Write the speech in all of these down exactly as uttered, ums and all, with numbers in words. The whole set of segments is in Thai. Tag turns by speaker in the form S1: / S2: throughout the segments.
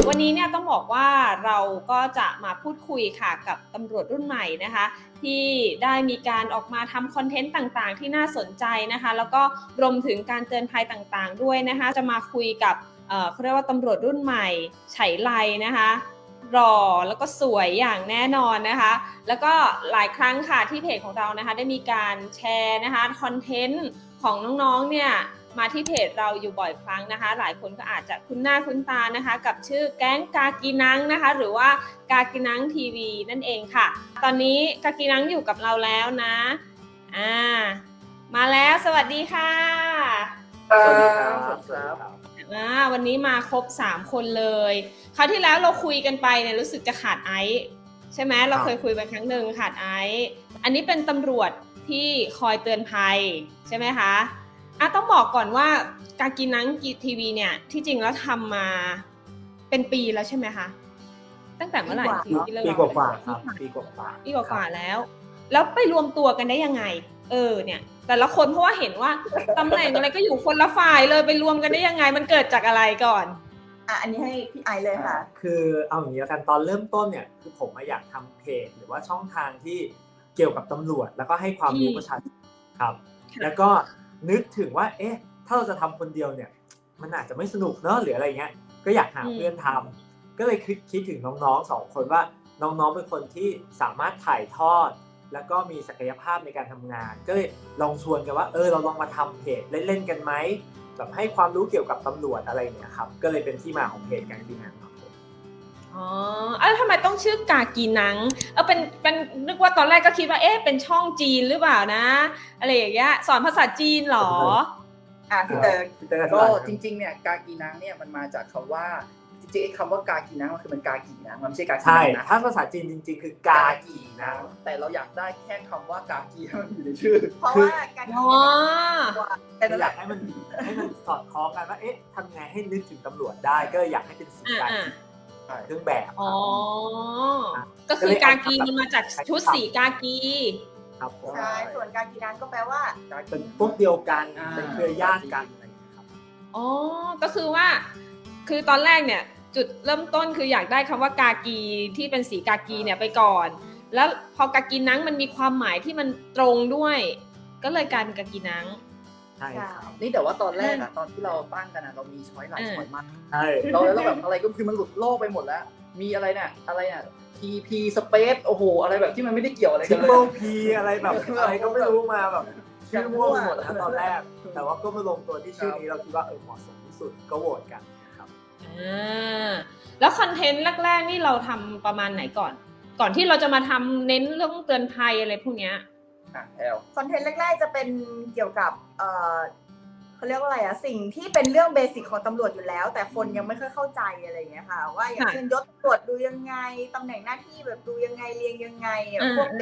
S1: วันนี้เนี่ยต้องบอกว่าเราก็จะมาพูดคุยค่ะกับตำรวจรุ่นใหม่นะคะที่ได้มีการออกมาทำคอนเทนต์ต่างๆที่น่าสนใจนะคะแล้วก็รวมถึงการเตือนภัยต่างๆด้วยนะคะจะมาคุยกับเอ่อเขาเรียกว่าตำรวจรุ่นใหม่ไฉไลนะคะหล่อแล้วก็สวยอย่างแน่นอนนะคะแล้วก็หลายครั้งค่ะที่เพจของเรานะคะได้มีการแชร์นะคะคอนเทนต์ของน้องๆเนี่ยมาที่เพจเราอยู่บ่อยครั้งนะคะหลายคนก็อาจจะคุ้นหน้าคุ้นตานะคะกับชื่อแก๊งกากีนังนะคะหรือว่ากากีนังทีวีนั่นเองค่ะตอนนี้กากีนังอยู่กับเราแล้วนะอ่ามาแล้วสวัสดีค่ะ
S2: สวัสดีครับ
S1: อ่าวันนี้มาครบสามคนเลยคราวที่แล้วเราคุยกันไปเนี่ยรู้สึกจะขาดไอซ์ใช่ไหมเราเคยคุยไปครั้งหนึ่งขาดไอซ์อันนี้เป็นตำรวจที่คอยเตือนภัยใช่ไหมคะอ่ะต้องบอกก่อนว่ากากีนังทีวีเนี่ยที่จริงแล้วทำมาเป็นปีแล้วใช่ไหมคะตั้งแต่เมื่อไหร่
S2: ปีปีกว่าๆครับปีกว่าๆ
S1: ปีกว่าๆแล้วแล้วไปรวมตัวกันได้ยังไงเออเนี่ยแต่ละคนเพราะว่าเห็นว่าตำแหน่งอะไรก็อยู่คนละฝ่ายเลยไปรวมกันได้ยังไงมันเกิดจากอะไรก่อน
S3: อ่ะอันนี้ให้พี่ไอเลยค่ะ
S2: คือเอาอย่างนี้แล้วกันตอนเริ่มต้นเนี่ยคือผมอยากทำเพจหรือว่าช่องทางที่เกี่ยวกับตำรวจแล้วก็ให้ความรู้ประชาชนครับแล้วก็นึกถึงว่าเอ๊ะถ้าเราจะทำคนเดียวเนี่ยมันอาจจะไม่สนุกเนอะหรืออะไรเงี้ยก็อยากหาเพื่อนทำก็เลยคิดคิดถึงน้องๆสองคนว่าน้องๆเป็นคนที่สามารถถ่ายทอดแล้วก็มีศักยภาพในการทำงานก็เลยลองชวนกันว่าเออเราลองมาทำเพจเล่นๆกันไหมแบบให้ความรู้เกี่ยวกับตำรวจอะไรเนี่ยครับก็เลยเป็นที่มาของเพจกากีนังครับผม
S1: อ๋อแล้วทำไมต้องชื่อกากีนังเออเป็นเป็นนึกว่าตอนแรกก็คิดว่าเอ๊ะเป็นช่องจีนหรือเปล่านะอะไรอย่างเงี้ยสอนภาษาจีนหรอ
S3: อ่ะพี่เตอร์
S4: ก็จริงๆเนี่ยกากีนังเนี่ยมันมาจากคำว่าจริงๆไอ้คำว่ากากีนังมันคือมันกากีนะมันไม่ใช่กากีนังนะ
S2: ถ้าภาษาจีนจริงๆคือกากีนัง
S4: แต่เราอยากได้แค่คำว่ากากีให้มันอยู่ในชื่อ
S3: เพราะว่ากากีนัง
S2: แต่อยากให้มันให้มันสอดคล้องกันว่าเอ๊ะทำไงให้นึกถึงตำรวจได้ก็อยากให้เป็นสีกากีเครื่องแบบ
S1: อ๋อก็คือกากีมันมาจากชุดสีกากี
S2: ครับ
S3: ใช่ส่วนกากีนังก็แปลว่า
S2: เป็นพวกเดียวกันเป็นเครือญาติกันอะไรอย่างเงี้ยครับ
S1: อ๋อก็คือว่าคือตอนแรกเนี่ยจุดเริ่มต้นคืออยากได้คำว่ากากีที่เป็นสีกากีเนี่ยไปก่อนแล้วพอกากีนังมันมีความหมายที่มันตรงด้วยก็เลยกลายเป็นกากีนัง
S2: ใช่ครับ
S4: นี่แต่ว่าตอนแรกอะตอนที่เราตั้งกันอะเรามีช้อยหลายช้อยมาก
S2: ใช่
S4: เราแล้วแบบอะไรก็คือมันหลุดโลกไปหมดแล้วมีอะไรเนี่ยอะไรเนี่ย ที พี Space โอ้โหอะไรแบบที่มันไม่ได้เกี่ยวอะไรกันเลย
S2: Triple P อะไรแบบอะไรก็ไม่รู้มาแบบชื่อมั่วไปหมดนะตอนแรกแต่ว่าก็มาลงตัวที่ชื่อนี้เราคิดว่าเออเหมาะสมที่สุดก็โหวตกันนะครับ
S1: อ่าแล้วคอนเทนต์แรกๆนี่เราทำประมาณไหนก่อนก่อนที่เราจะมาทำเน้นเรื่องเตือนภัยอะไรพวกเนี้ย
S4: อ่ะแอล
S3: คอนเทนต์แรกๆจะเป็นเกี่ยวกับเอ่อเขาเรียกว่าอะไรอะสิ่งที่เป็นเรื่องเบสิกของตำรวจอยู่แล้วแต่คนยังไม่ค่อยเข้าใจอะไรอย่างเงี้ยค่ะว่าอย่างเช่นยศตรวจดูยังไงตำแหน่งหน้าที่แบบดูยังไงเรียงยังไงพวก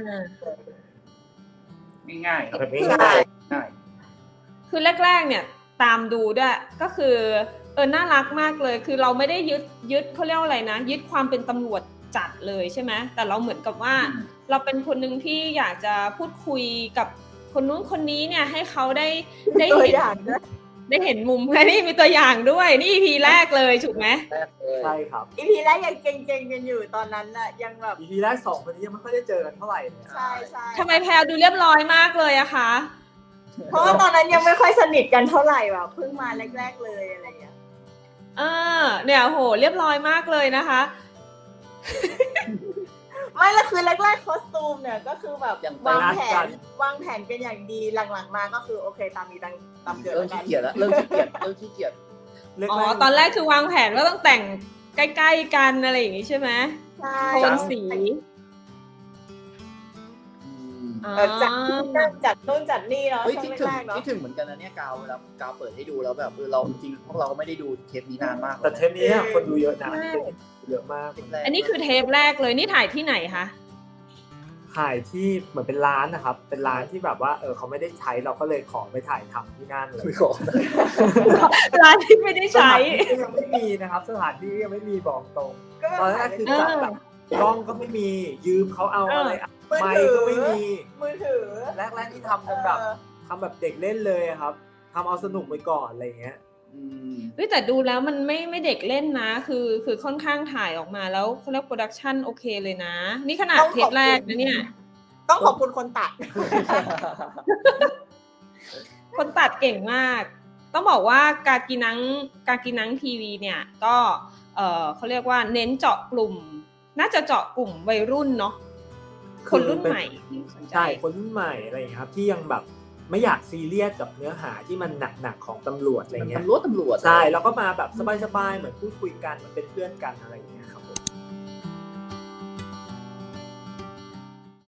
S4: ง่ายๆ
S2: แบบง่าย
S1: ๆคือแรกๆเนี่ยตามดูด้วยก็คือเออน่ารักมากเลยคือเราไม่ได้ยึดยึดเขาเรียกว่าอะไรนะยึดความเป็นตำรวจจัดเลยใช่ไหมแต่เราเหมือนกับว่าเราเป็นคนหนึ่งที่อยากจะพูดคุยกับคนนู้นคนนี้เนี่ยให้เขาได้ได้เห็นได้เห็นมุมนี่มีตัวอย่างด้วยนี่ อี พี แรกเลยถูกไหม
S2: ใช่ครับ
S3: อี พี แรกยังเก่งๆกันอยู่ตอนนั้นน่ะยังแบบ
S2: อี พี แรกสองคนนี้ยังไม่ค่อยได้เจอกันเท่าไหร่เลย
S3: ใช่ใช่
S1: ทำไมแพลดูเรียบร้อยมากเลยอะคะ
S3: เพราะว่าตอนนั้นยังไม่ค่อยสนิทกันเท่าไหร่แบบเพิ่งมาแรกๆเลยอะไรอย่างเงี้ย
S1: เออเนี่ยโหเรียบร้อยมากเลยนะคะ
S3: ไม่ละคือแรกๆคอสตูมเนี่ยก็คือแบบวางแผนวางแผนกันอย่างดีหลังๆมาก็คือโอเคตามมีตามตามเกิด
S4: เริ่มขี้เกียจแล้วเริ่มขี้เกียจเริ่มขี้เกียจ
S1: อ๋อตอนแรกคือวางแผนว่าต้องแต่งใกล้ๆกันอะไรอย่างงี้ใช่ไหม
S3: ใช่
S1: โทนสี
S3: จัดจัดต้นจัดนี่เนาะ
S4: คิดถึงคิดถึงเหมือนกันนะเนี่ยกาวเวลากาวเปิดให้ดูแล้วแบบเออเราจริงพวกเราก็ไม่ได้ดูเทปนี้นานมาก
S2: แต่เทปนี้คนดูเยอะนะเยอะมาก
S1: อันนี้คือเทปแรกเลยนี่ถ่ายที่ไหนคะ
S2: ถ่ายที่เหมือนเป็นร้านนะครับเป็นร้านที่แบบว่าเออเขาไม่ได้ใช้เราก็เลยขอไปถ่ายทำที่นั่นเลย
S1: ร้านที่ไม่ได้ใช้
S2: ยังไม่มีนะครับสถานที่ยังไม่มีบอกตรงตอนแรกคือจัดแบบกล้องก็ไม่มียืมเขาเอาอะไรไมค์ก็ไม่มี
S3: มือถือ
S2: แรกๆที่ทำกันแบบทำแบบเด็กเล่นเลยครับทำเอาสนุกไปก่อนอะไรเงี้ย
S4: อืม
S1: เฮ้ยแต่ดูแล้วมันไม่ไม่เด็กเล่นนะ คือคือค่อนข้างถ่ายออกมาแล้วเขาเรียกโปรดักชันโอเคเลยนะ นี่ขนาด
S3: ต้อง
S1: เท
S3: ข
S1: ป
S3: อบคุณ
S1: แรกนะเนี่ย
S3: ต้องขอบคุณคนตัด
S1: คนตัดเก่งมาก ต้องบอกว่ากากีนังกากีนังทีวีเนี่ยก็เออเขาเรียกว่าเน้นเจาะกลุ่ม น่าจะเจาะกลุ่มวัยรุ่นเนาะคนรุ่นใหม่ที่สนใจ
S2: ใช่คนรุ่นใหม่อะไรอย่างเงี้ยครับที่ยังแบบไม่อยากซีเรียสกับเนื้อหาที่มันหนักๆของตำรวจอะไรเงี้ย
S4: ตำรวจตำรวจ
S2: ใช่แล้วก็มาแบบสบายๆเหมือนพูดคุยกันเหมือนเป็นเพื่อนกันอะไรอย่างเงี้ยครับ